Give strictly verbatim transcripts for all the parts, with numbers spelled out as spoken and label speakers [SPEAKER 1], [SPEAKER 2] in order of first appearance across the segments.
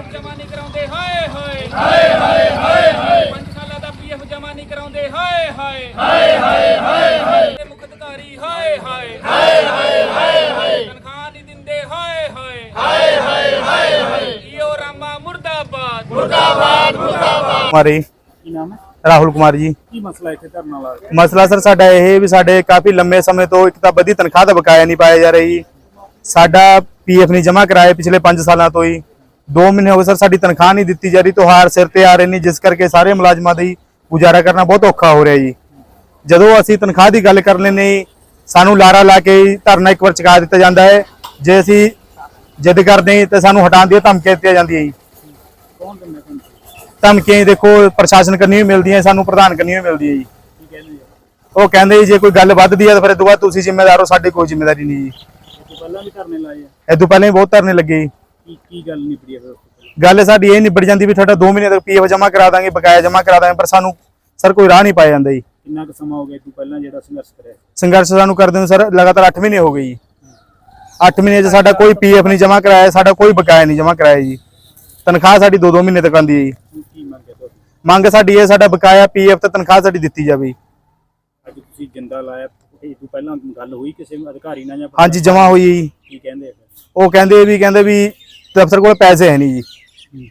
[SPEAKER 1] PF ਜਮਾ ਨਹੀਂ ਕਰਾਉਂਦੇ ਹਾਏ ਹਾਏ ਹਾਏ ਹਾਏ ਹਾਏ ਹਾਏ ਪੰਜ ਸਾਲਾਂ ਦਾ ਪੀਐਫ ਜਮਾ ਨਹੀਂ ਕਰਾਉਂਦੇ ਹਾਏ ਹਾਏ ਹਾਏ ਹਾਏ ਹਾਏ ਹਾਏ ਮੁੱਖ ਅਧਿਕਾਰੀ ਹਾਏ ਹਾਏ ਹਾਏ ਹਾਏ ਹਾਏ ਹਾਏ ਤਨਖਾਹ ਨਹੀਂ ਦਿੰਦੇ ਹਾਏ ਹਾਏ ਹਾਏ ਹਾਏ ਹਾਏ ਹਾਏ ਈਓ ਰਾਮਾ ਮੁਰਦਾਬਾਦ ਮੁਰਦਾਬਾਦ ਮੁਰਦਾਬਾਦ।
[SPEAKER 2] हमारे
[SPEAKER 1] ਕੀ ਨਾਮ ਹੈ?
[SPEAKER 2] राहुल कुमार जी।
[SPEAKER 1] ਕੀ ਮਸਲਾ ਇੱਥੇ ਧਰਨਾ ਲਾ ਰਹੇ?
[SPEAKER 2] मसला सर साडा ਇਹ ਵੀ ਸਾਡੇ ਕਾਫੀ ਲੰਮੇ ਸਮੇਂ ਤੋਂ ਇੱਕ ਤਾਂ ਵਧੀ ਤਨਖਾਹ ਦਾ ਬਕਾਇਆ ਨਹੀਂ ਪਾਇਆ ਜਾ ਰਹੀ। ਸਾਡਾ ਪੀਐਫ ਨਹੀਂ ਜਮ੍ਹਾਂ ਕਰਾਇਆ ਪਿਛਲੇ ਪੰਜ ਸਾਲਾਂ ਤੋਂ ਹੀ। ਦੋ ਮਹੀਨੇ ਹੋ ਗਏ ਸਰ ਸਾਡੀ ਤਨਖਾਹ ਨਹੀਂ ਦਿੱਤੀ ਜਾ ਰਹੀ। ਤਿਉਹਾਰ ਸਿਰ ਤੇ ਆ ਰਹੇ ਨੇ ਜਿਸ ਕਰਕੇ ਸਾਰੇ ਮੁਲਾਜ਼ਮਾਂ ਦੀ ਗੁਜ਼ਾਰਾ ਕਰਨਾ ਬਹੁਤ ਔਖਾ ਹੋ ਰਿਹਾ ਜੀ। ਜਦੋਂ ਅਸੀਂ ਤਨਖਾਹ ਦੀ ਗੱਲ ਕਰ ਲੈਂਦੇ ਸਾਨੂੰ ਲਾਰਾ ਲਾ ਕੇ ਧਰਨਾ ਇੱਕ ਵਾਰ ਚੁਕਾ ਦਿੱਤਾ ਜਾਂਦਾ ਹੈ। ਜੇ ਅਸੀਂ ਜਿੱਦ ਕਰਦੇ ਤਾਂ ਸਾਨੂੰ ਹਟਾਉਣ ਦੀਆਂ ਧਮਕੀਆਂ ਦਿੱਤੀਆਂ ਜਾਂਦੀਆਂ ਜੀ।
[SPEAKER 1] ਕੌਣ ਦਿੰਦਾ ਤੁਹਾਨੂੰ?
[SPEAKER 2] ਧਮਕੀਆਂ ਦੇਖੋ ਪ੍ਰਸ਼ਾਸਨ ਕਰਨੀ ਵੀ ਮਿਲਦੀ ਹੈ, ਸਾਨੂੰ ਪ੍ਰਧਾਨ ਕਰਨੀ ਵੀ ਮਿਲਦੀ ਹੈ ਜੀ।
[SPEAKER 1] ਕੀ ਕਹਿੰਦੇ ਆ?
[SPEAKER 2] ਉਹ ਕਹਿੰਦੇ ਜੇ ਕੋਈ ਗੱਲ ਵੱਧਦੀ ਹੈ ਤਾਂ ਫਿਰ ਇਹ ਤੋਂ ਬਾਅਦ ਤੁਸੀਂ ਜ਼ਿੰਮੇਦਾਰ ਹੋ, ਸਾਡੀ ਕੋਈ ਜ਼ਿੰਮੇਵਾਰੀ ਨਹੀਂ ਜੀ।
[SPEAKER 1] ਇਹ ਤੋਂ ਪਹਿਲਾਂ ਵੀ ਧਰਨੇ ਲਾਏ ਆ?
[SPEAKER 2] ਇਹ ਤੋਂ ਪਹਿਲਾਂ ਵੀ ਬਹੁਤ ਧਰਨੇ ਲੱਗੇ ਜੀ।
[SPEAKER 1] ਕੀ ਕੀ ਗੱਲ ਨਿਬੜੀ ਆ ਫਿਰ?
[SPEAKER 2] ਗੱਲ ਸਾਡੀ ਇਹ ਨਿਬੜ ਜਾਂਦੀ ਵੀ ਤੁਹਾਡਾ ਦੋ ਮਹੀਨੇ ਤੱਕ ਪੀਐਫ ਜਮ੍ਹਾਂ ਕਰਾ ਦਾਂਗੇ, ਬਕਾਇਆ ਜਮ੍ਹਾਂ ਕਰਾ ਦਾਂਗੇ, ਪਰ ਸਾਨੂੰ ਸਰ ਕੋਈ ਰਾਹ ਨਹੀਂ ਪਾਇਆ ਜਾਂਦਾ ਜੀ।
[SPEAKER 1] ਕਿੰਨਾ ਕੁ ਸਮਾਂ ਹੋ ਗਿਆ ਤੂੰ ਪਹਿਲਾਂ ਜਿਹੜਾ ਸੰਘਰਸ਼ ਕਰਿਆ?
[SPEAKER 2] ਸੰਘਰਸ਼ ਸਾਨੂੰ ਕਰਦੇ ਨੂੰ ਸਰ ਲਗਾਤਾਰ ਅੱਠ ਮਹੀਨੇ ਹੋ ਗਏ ਜੀ। ਅੱਠ ਮਹੀਨੇ 'ਚ ਸਾਡਾ ਕੋਈ ਪੀਐਫ ਨਹੀਂ ਜਮ੍ਹਾਂ ਕਰਾਇਆ, ਸਾਡਾ ਕੋਈ ਬਕਾਇਆ ਨਹੀਂ ਜਮ੍ਹਾਂ ਕਰਾਇਆ ਜੀ। ਤਨਖਾਹ ਸਾਡੀ ਦੋ ਦੋ ਮਹੀਨੇ ਤੱਕ ਆਉਂਦੀ ਹੈ ਜੀ।
[SPEAKER 1] ਕੀ ਮੰਗਿਆ ਤੁਹਾਡੀ?
[SPEAKER 2] ਮੰਗ ਸਾਡੀ ਇਹ ਸਾਡਾ ਬਕਾਇਆ ਪੀਐਫ ਤੇ ਤਨਖਾਹ ਸਾਡੀ ਦਿੱਤੀ ਜਾਵੇ।
[SPEAKER 1] ਅੱਜ ਤੁਸੀਂ ਜਿੰਦਾ ਲਾਇਆ, ਇਹ ਤੋਂ ਪਹਿਲਾਂ ਗੱਲ ਹੋਈ ਕਿਸੇ ਅਧਿਕਾਰੀ ਨਾਲ ਜਾਂ?
[SPEAKER 2] ਹਾਂਜੀ ਜਮ੍ਹਾਂ ਹੋਈ ਜੀ।
[SPEAKER 1] ਕੀ ਕਹਿੰਦੇ?
[SPEAKER 2] ਉਹ ਕਹਿੰਦੇ ਵੀ ਕਹਿੰਦੇ ਵੀ ਦਫ਼ਤਰ ਕੋਲ ਪੈਸੇ ਹੈ ਨਹੀਂ ਜੀ।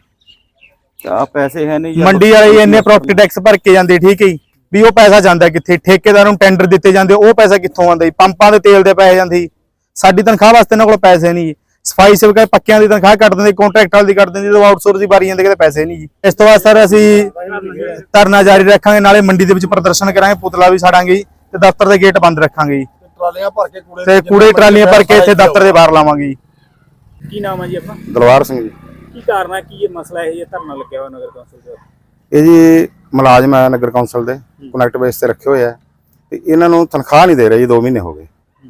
[SPEAKER 3] ਆ ਪੈਸੇ ਹੈ ਨਹੀਂ
[SPEAKER 2] ਮੰਡੀ ਵਾਲੇ ਇੰਨੇ ਪ੍ਰੋਪਰਟੀ ਟੈਕਸ ਭਰ ਕੇ ਜਾਂਦੇ, ਠੀਕ ਹੈ ਜੀ, ਵੀ ਉਹ ਪੈਸਾ ਜਾਂਦਾ ਕਿੱਥੇ? ਠੇਕੇਦਾਰ ਨੂੰ ਟੈਂਡਰ ਦਿੱਤੇ ਜਾਂਦੇ, ਉਹ ਪੈਸਾ ਕਿੱਥੋਂ ਆਉਂਦਾ ਜੀ? ਪੰਪਾਂ ਦੇ ਤੇਲ ਦੇ ਪੈਸੇ ਜਾਂਦੇ। ਸਾਡੀ ਤਨਖਾਹ ਵਾਸਤੇ ਇਹਨਾਂ ਕੋਲ ਪੈਸੇ ਨਹੀਂ ਜੀ। ਸਫਾਈ ਸੇਵਕਾਂ ਪੱਕਿਆਂ ਦੀ ਤਨਖਾਹ ਕੱਟ ਦਿੰਦੇ, ਕੰਟਰੈਕਟਰ ਦੀ ਕੱਟ ਦਿੰਦੇ, ਜਦੋਂ ਆਊਟਸੋਰਸ ਦੀ ਵਾਰੀ ਜਾਂਦੇ ਕਿਤੇ ਪੈਸੇ ਨਹੀਂ ਜੀ। ਇਸ ਤੋਂ ਬਾਅਦ ਸਰ ਅਸੀਂ ਧਰਨਾ ਜਾਰੀ ਰੱਖਾਂਗੇ, ਨਾਲੇ ਮੰਡੀ ਦੇ ਵਿੱਚ ਪ੍ਰਦਰਸ਼ਨ ਕਰਾਂਗੇ, ਪੁਤਲਾ ਵੀ ਸਾੜਾਂਗੇ ਜੀ, ਤੇ ਦਫ਼ਤਰ ਦੇ ਗੇਟ ਬੰਦ ਰੱਖਾਂਗੇ ਜੀ,
[SPEAKER 4] ਟਰਾਲੀਆਂ ਭਰ ਕੇ ਕੂੜੇ
[SPEAKER 2] ਤੇ ਕੂੜੇ ਟਰਾਲੀਆਂ ਭਰ ਕੇ ਇੱਥੇ ਦਫ਼ਤਰ ਦੇ ਬਾਹਰ ਲਾਵਾਂਗੇ ਜੀ।
[SPEAKER 1] ਕੀ ਨਾਮ ਹੈ ਜੀ ਆਪਣਾ?
[SPEAKER 4] ਦਲਵਾਰ ਸਿੰਘ ਜੀ।
[SPEAKER 1] ਕੀ ਕਾਰਨ ਹੈ? ਕੀ ਇਹ ਮਸਲਾ ਹੈ? ਇਹ ਧਰਨਾ ਲੱਗਿਆ ਹੋਇਆ ਨਗਰ ਕੌਂਸਲ ਦਾ?
[SPEAKER 4] ਇਹ ਜੀ ਮੁਲਾਜ਼ਮ ਹੈ ਨਗਰ ਕੌਂਸਲ ਦੇ, ਕਨੈਕਟ ਬੇਸ ਤੇ ਰੱਖੇ ਹੋਏ ਆ ਤੇ ਇਹਨਾਂ ਨੂੰ ਤਨਖਾਹ ਨਹੀਂ ਦੇ ਰਹੇ ਜੀ। ਦੋ ਮਹੀਨੇ ਹੋ ਗਏ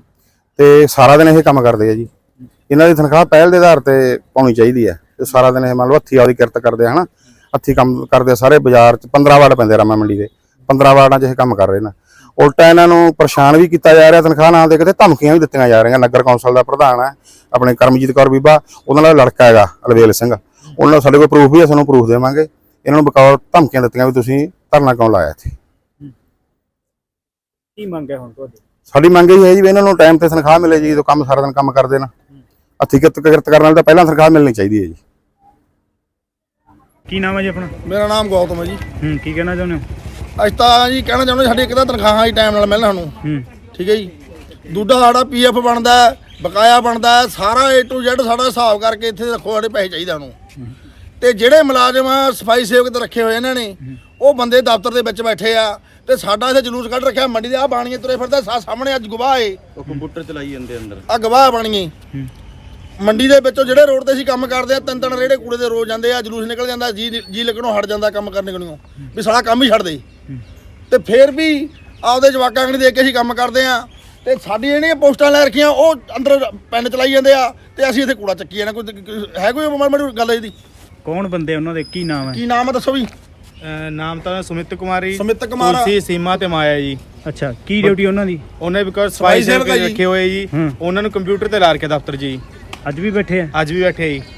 [SPEAKER 4] ਤੇ ਸਾਰਾ ਦਿਨ ਇਹ ਕੰਮ ਕਰਦੇ ਆ ਜੀ। ਇਹਨਾਂ ਦੀ ਤਨਖਾਹ ਪਹਿਲ ਦੇ ਆਧਾਰ ਤੇ ਪਾਉਣੀ ਚਾਹੀਦੀ ਹੈ ਤੇ ਸਾਰਾ ਦਿਨ ਇਹ ਮੰਨ ਲਓ ਹੱਥੀਂ ਆਪਦੀ ਕਿਰਤ ਕਰਦੇ ਆ, ਹਨਾ, ਹੱਥੀਂ ਕੰਮ ਕਰਦੇ ਆ। ਸਾਰੇ ਬਾਜ਼ਾਰ 'ਚ ਪੰਦਰਾਂ ਵਾਰਡ ਪੈਂਦੇ ਰਾਮਾ ਮੰਡੀ ਦੇ, ਪੰਦਰਾਂ ਵਾਰਡਾਂ 'ਚ ਇਹ ਕੰਮ ਕਰ ਰਹੇ ਨੇ। ਉਲਟਾ ਇਹਨਾਂ ਨੂੰ ਪਰੇਸ਼ਾਨ ਵੀ ਕੀਤਾ ਜਾ ਰਿਹਾ, ਤਨਖਾਹ ਨਾ ਦੇ ਕੇ, ਧਮਕੀਆਂ ਵੀ ਦਿੱਤੀਆਂ ਜਾ ਰਹੀਆਂ। ਨਗਰ ਕੌਂਸਲ ਦਾ ਪ੍ਰਧਾਨ ਹੈ ਆਪਣੇ ਕਰਮਜੀਤ ਕੌਰ ਬੀਬਾ, ਉਹਨਾਂ ਦਾ ਲੜਕਾ ਹੈਗਾ ਅਲਵੇਲ ਸਿੰਘ, ਉਹਨਾਂ ਦਾ ਸਾਡੇ ਕੋਲ ਪ੍ਰੂਫ ਵੀ ਹੈ, ਸਾਨੂੰ ਪ੍ਰੂਫ ਦੇਵਾਂਗੇ। ਇਹਨਾਂ ਨੂੰ ਬਕੌਰ ਧਮਕੀਆਂ ਦਿੱਤੀਆਂ ਵੀ ਤੁਸੀਂ ਧਰਨਾ ਕਿਉਂ ਲਾਇਆ ਇੱਥੇ।
[SPEAKER 1] ਕੀ ਮੰਗ ਹੈ ਹੁਣ ਤੁਹਾਡੀ?
[SPEAKER 4] ਸਾਡੀ ਮੰਗ ਇਹ ਹੈ ਜੀ ਵੀ ਇਹਨਾਂ ਨੂੰ ਟਾਈਮ ਤੇ ਤਨਖਾਹ ਮਿਲੇ ਜੀ। ਜਦੋਂ ਕੰਮ ਸਾਰਾ ਦਿਨ ਕੰਮ ਕਰਦੇ ਨਾ, ਹੱਥੀਂ ਕਿਰਤ ਕਿਰਤ ਕਰਨ ਨਾਲ ਤਾਂ ਪਹਿਲਾਂ ਤਨਖਾਹ ਮਿਲਣੀ ਚਾਹੀਦੀ ਹੈ ਜੀ।
[SPEAKER 1] ਕੀ ਨਾਮ ਹੈ ਜੀ ਆਪਣਾ?
[SPEAKER 5] ਮੇਰਾ ਨਾਮ ਗੌਤਮ ਹੈ ਜੀ।
[SPEAKER 1] ਹੂੰ ਕੀ ਕਹਿਣਾ ਚਾਹੁੰਦੇ ਹੋ?
[SPEAKER 5] ਅੱਜ ਤਾਂ ਜੀ ਕਹਿਣਾ ਚਾਹੁੰਦੇ ਸਾਡੀ ਇੱਕ ਤਾਂ ਤਨਖਾਹਾਂ ਹੀ ਟਾਈਮ ਨਾਲ ਮਿਲਣ ਸਾਨੂੰ,
[SPEAKER 1] ਹੂੰ
[SPEAKER 5] ਠੀਕ ਹੈ ਜੀ। ਦੂਜਾ ਸਾਡਾ ਪੀਐਫ ਬਣਦਾ, ਬਕਾਇਆ ਬਣਦਾ, ਸਾਰਾ ਏ ਟੂ ਜ਼ੈਡ ਸਾਡਾ ਹਿਸਾਬ ਕਰਕੇ ਇੱਥੇ ਰੱਖੋ, ਸਾਡੇ ਪੈਸੇ ਚਾਹੀਦੇ ਸਾਨੂੰ। ਤੇ ਜਿਹੜੇ ਮੁਲਾਜ਼ਮ ਸਫਾਈ ਸੇਵਕ ਤੇ ਰੱਖੇ ਹੋਏ ਇਹਨਾਂ ਨੇ, ਉਹ ਬੰਦੇ ਦਫ਼ਤਰ ਦੇ ਵਿੱਚ ਬੈਠੇ ਆ ਤੇ ਸਾਡਾ ਇੱਥੇ ਜਲੂਸ ਕੱਢ ਰੱਖਿਆ ਮੰਡੀ ਦੇ। ਆ ਬਾਣੀਏ ਤੁਰੇ ਫਿਰਦਾ ਸਾਹਮਣੇ, ਅੱਜ ਗਵਾਹ ਏ,
[SPEAKER 3] ਉਹ ਕੰਪਿਊਟਰ ਚਲਾਈ ਜਾਂਦੇ ਅੰਦਰ।
[SPEAKER 5] ਆ ਗਵਾਹ ਬਾਣੀਏ ਮੰਡੀ ਦੇ ਵਿੱਚੋਂ ਜਿਹੜੇ ਰੋਡ ਤੇ ਅਸੀਂ ਕੰਮ ਕਰਦੇ ਆ, ਤਿੰਨ ਤਿੰਨ ਰੇੜੇ ਕੂੜੇ ਦੇ ਰੋਜ਼ ਜਾਂਦੇ ਆ, ਜਲੂਸ ਨਿਕਲ ਜਾਂਦਾ, ਜੀ ਜੀ ਲੱਗਣੋਂ ਹਟ ਜਾਂਦਾ ਕੰਮ ਕਰਨੇ ਕੋਲੋਂ, ਵੀ ਸਾਡਾ ਕੰਮ ਹੀ ਛੱਡ ਦੇ। ਤੇ ਫਿਰ ਵੀ ਆਪਦੇ ਜਵਾਕਾਂ ਕਣੀ ਦੇਖ ਕੇ ਅਸੀਂ ਕੰਮ ਕਰਦੇ ਆ ਤੇ ਸਾਡੀ ਜਿਹੜੀਆਂ ਪੋਸਟਾਂ ਲੈ ਰੱਖੀਆਂ ਉਹ ਅੰਦਰ ਪੈਨ ਚਲਾਈ ਜਾਂਦੇ ਆ ਤੇ ਅਸੀਂ ਇੱਥੇ ਕੂੜਾ ਚੱਕੀ ਜਾਣਾ। ਕੋਈ ਹੈ ਕੋਈ ਮਾੜੀ ਮਾੜੀ ਗੱਲ ਇਹਦੀ?
[SPEAKER 1] ਕੌਣ ਬੰਦੇ ਉਹਨਾਂ ਦੇ? ਕੀ ਨਾਮ ਹੈ?
[SPEAKER 5] ਕੀ ਨਾਮ ਹੈ ਦੱਸੋ ਵੀ?
[SPEAKER 6] ਨਾਮ ਤਾਂ ਸੁਮਿਤ ਕੁਮਾਰੀ,
[SPEAKER 5] ਸੁਮਿਤ ਕੁਮਾਰ,
[SPEAKER 6] ਤੁਲਸੀ, ਸੀਮਾ ਤੇ ਮਾਇਆ ਜੀ।
[SPEAKER 1] ਅੱਛਾ, ਕੀ ਡਿਊਟੀ ਉਹਨਾਂ ਦੀ?
[SPEAKER 6] ਉਹਨੇ ਬਿਕਾਜ਼ ਸਫਾਈ ਸੇਵਕ
[SPEAKER 5] ਸੇਵਕ
[SPEAKER 6] ਰੱਖੇ ਹੋਏ ਜੀ,
[SPEAKER 1] ਹੂੰ।
[SPEAKER 6] ਉਹਨਾਂ ਨੂੰ ਕੰਪਿਊਟਰ ਤੇ ਲਾ ਕੇ ਦਫ਼ਤਰ ਜੀ।
[SPEAKER 1] ਅੱਜ ਵੀ ਬੈਠੇ ਆ?
[SPEAKER 6] ਅੱਜ ਵੀ ਬੈਠੇ ਜੀ।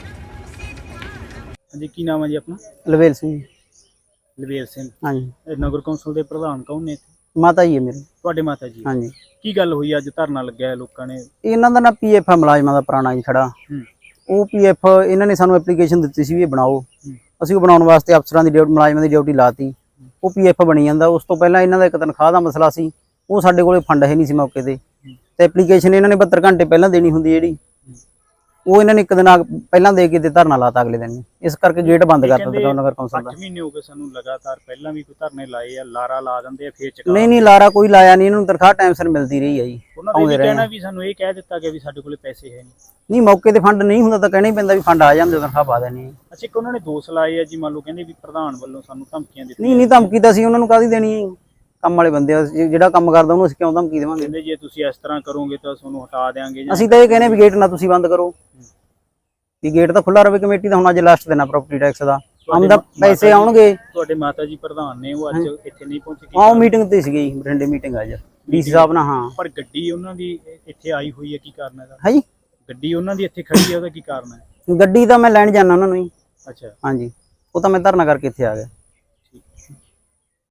[SPEAKER 1] ਹਾਂਜੀ, ਕੀ ਨਾਮ ਹੈ ਜੀ ਆਪਣਾ?
[SPEAKER 7] ਲਵੇਲ ਸਿੰਘ।
[SPEAKER 1] ਲਵੇਲ ਸਿੰਘ।
[SPEAKER 7] ਹਾਂਜੀ।
[SPEAKER 1] ਇਹ ਨਗਰ ਕੌਂਸਲ ਦੇ ਪ੍ਰਧਾਨ ਕੌਣ ਨੇ?
[SPEAKER 7] ਮਾਤਾ ਜੀ ਹੈ ਮੇਰੇ।
[SPEAKER 1] ਤੁਹਾਡੇ ਮਾਤਾ ਜੀ?
[SPEAKER 7] ਹਾਂਜੀ।
[SPEAKER 1] ਕੀ ਗੱਲ ਹੋਈ ਅੱਜ ਧਰਨਾ ਲੱਗਿਆ ਹੈ ਲੋਕਾਂ ਨੇ?
[SPEAKER 7] ਇਹਨਾਂ ਦਾ ਨਾ ਪੀਐਫ ਹੈ ਮੁਲਾਜ਼ਮਾਂ ਦਾ ਪੁਰਾਣਾ ਜੀ ਖੜਾ।
[SPEAKER 1] ਹੂੰ।
[SPEAKER 7] ਉਹ ਪੀਐਫ ਇਹਨਾਂ ਨੇ ਸਾਨੂੰ ਐਪਲੀਕੇਸ਼ਨ ਦਿੱਤੀ ਸੀ ਵੀ ਇਹ ਬਣਾਓ। ਅਸੀਂ ਉਹ ਬਣਾਉਣ ਵਾਸਤੇ ਅਫਸਰਾਂ ਦੀ ਡਿਊਟੀ, ਮੁਲਾਜ਼ਮਾਂ ਦੀ ਡਿਊਟੀ ਲਾਤੀ। ਉਹ ਪੀਐਫ ਬਣੀ ਜਾਂਦਾ। ਉਸ ਤੋਂ ਪਹਿਲਾਂ ਇਹਨਾਂ ਦਾ ਇੱਕ ਤਨਖਾਹ ਦਾ ਮਸਲਾ ਸੀ, ਉਹ ਸਾਡੇ ਕੋਲੇ ਫੰਡ ਹੈ ਨਹੀਂ ਸੀ ਮੌਕੇ ਤੇ, ਤੇ ਐਪਲੀਕੇਸ਼ਨ ਇਹਨਾਂ ਨੇ ਬਹੱਤਰ ਘੰਟੇ ਪਹਿਲਾਂ ਦੇਣੀ ਹੁੰਦੀ ਜਿਹੜੀ, ਉਹ ਇਹਨਾਂ ਨੇ ਇੱਕ ਦਿਨ ਪਹਿਲਾਂ ਦੇ ਕੇ ਤੇ ਧਰਨਾ ਲਾਤਾ ਅਗਲੇ ਦਿਨ। ਇਸ ਕਰਕੇ ਗੇਟ ਬੰਦ ਕਰ ਦਿੱਤਾ ਨਗਰ ਕੌਂਸਲ ਦਾ।
[SPEAKER 1] ਅੱਠ ਮਹੀਨੇ ਹੋ ਗਏ ਸਾਨੂੰ ਲਗਾਤਾਰ, ਪਹਿਲਾਂ ਵੀ ਕੋਈ ਧਰਨੇ ਲਾਏ ਆ, ਲਾਰਾ ਲਾ ਦਿੰਦੇ ਆ ਫੇਰ ਚਕਾ।
[SPEAKER 7] ਨਹੀਂ ਨਹੀਂ ਲਾਰਾ ਕੋਈ ਲਾਇਆ ਨਹੀਂ, ਇਹਨਾਂ ਨੂੰ ਤਨਖਾਹ ਟਾਈਮ ਸਿਰ ਮਿਲਦੀ ਰਹੀ ਹੈ ਜੀ।
[SPEAKER 1] ਉਹਨਾਂ ਦਾ ਇਹ ਕਹਿਣਾ ਵੀ ਸਾਨੂੰ ਇਹ ਕਹਿ ਦਿੱਤਾ ਗਿਆ ਵੀ ਸਾਡੇ ਕੋਲੇ ਪੈਸੇ ਹੈ ਨਹੀਂ।
[SPEAKER 7] ਨਹੀਂ ਮੌਕੇ ਤੇ ਫੰਡ ਨਹੀਂ ਹੁੰਦਾ ਤਾਂ ਕਹਿਣਾ ਹੀ ਪੈਂਦਾ ਵੀ ਫੰਡ ਆ ਜਾਂਦੇ, ਤਨਖਾਹ ਪਾ ਦੇਣੀ।
[SPEAKER 1] ਅੱਛਾ, ਇੱਕ ਉਹਨਾਂ ਨੇ ਦੋਸ਼ ਲਾਏ ਆ ਜੀ, ਮੰਨ ਲਓ ਕਹਿੰਦੇ ਵੀ ਪ੍ਰਧਾਨ ਵੱਲੋਂ ਸਾਨੂੰ ਧਮਕੀਆਂ ਦਿੱਤੀਆਂ।
[SPEAKER 7] ਨਹੀਂ ਨਹੀਂ ਧਮਕੀ ਤਾਂ ਅਸੀਂ ਉਹਨਾਂ ਨੂੰ ਕਾਹਦੀ ਦੇਣੀ ਹੈ? ਕੰਮ ਵਾਲੇ ਬੰਦੇ ਆ, ਜਿਹੜਾ ਕੰਮ ਕਰਦਾ ਉਹਨੂੰ ਅਸੀਂ ਕਿਉਂ ਧਮਕੀ ਦੇਵਾਂਗੇ?
[SPEAKER 1] ਕਹਿੰਦੇ ਜੇ ਤੁਸੀਂ ਇਸ ਤਰ੍ਹਾਂ ਕਰੋਗੇ ਤਾਂ ਤੁਹਾਨੂੰ ਹਟਾ ਦੇਵਾਂਗੇ।
[SPEAKER 7] ਅਸੀਂ ਤਾਂ ਇਹ ਕਹਿੰਦੇ ਵੀ ਗੇਟ ਨਾ ਤੁਸੀਂ ਬੰਦ ਕਰੋ, ਵੀ ਗੇਟ ਤਾਂ ਖੁੱਲਾ ਰਹੇ ਕਮੇਟੀ ਦਾ। ਹੁਣ ਅੱਜ ਲਾਸਟ ਦਿਨ ਆ ਪ੍ਰਾਪਰਟੀ ਟੈਕਸ ਦਾ, ਆਮਦਾ ਪੈਸੇ ਆਉਣਗੇ।
[SPEAKER 1] ਤੁਹਾਡੇ ਮਾਤਾ ਜੀ ਪ੍ਰਧਾਨ ਨੇ, ਉਹ ਅੱਜ ਇੱਥੇ ਨਹੀਂ ਪਹੁੰਚੇ?
[SPEAKER 7] ਆਹ ਮੀਟਿੰਗ ਤੇ ਸੀਗੀ, ਬਠਿੰਡੇ ਮੀਟਿੰਗ ਅੱਜ ਡੀਸੀ ਸਾਹਿਬ ਨਾਲ। ਹਾਂ,
[SPEAKER 1] ਪਰ ਗੱਡੀ ਉਹਨਾਂ ਦੀ ਇੱਥੇ ਆਈ ਹੋਈ ਹੈ, ਕੀ ਕਾਰਨ ਹੈ?
[SPEAKER 7] ਹੈ ਜੀ
[SPEAKER 1] ਗੱਡੀ ਉਹਨਾਂ ਦੀ ਇੱਥੇ ਖੜੀ ਹੈ, ਉਹਦਾ ਕੀ ਕਾਰਨ ਹੈ?
[SPEAKER 7] ਗੱਡੀ ਤਾਂ ਮੈਂ ਲੈਣ ਜਾਣਾ ਉਹਨਾਂ ਨੂੰ ਹੀ,
[SPEAKER 6] ਅੱਛਾ
[SPEAKER 7] ਹਾਂਜੀ ਉਹ ਤਾਂ ਮੈਂ ਧਰਨਾ ਕਰਕੇ ਇੱਥੇ ਆ ਗਿਆ।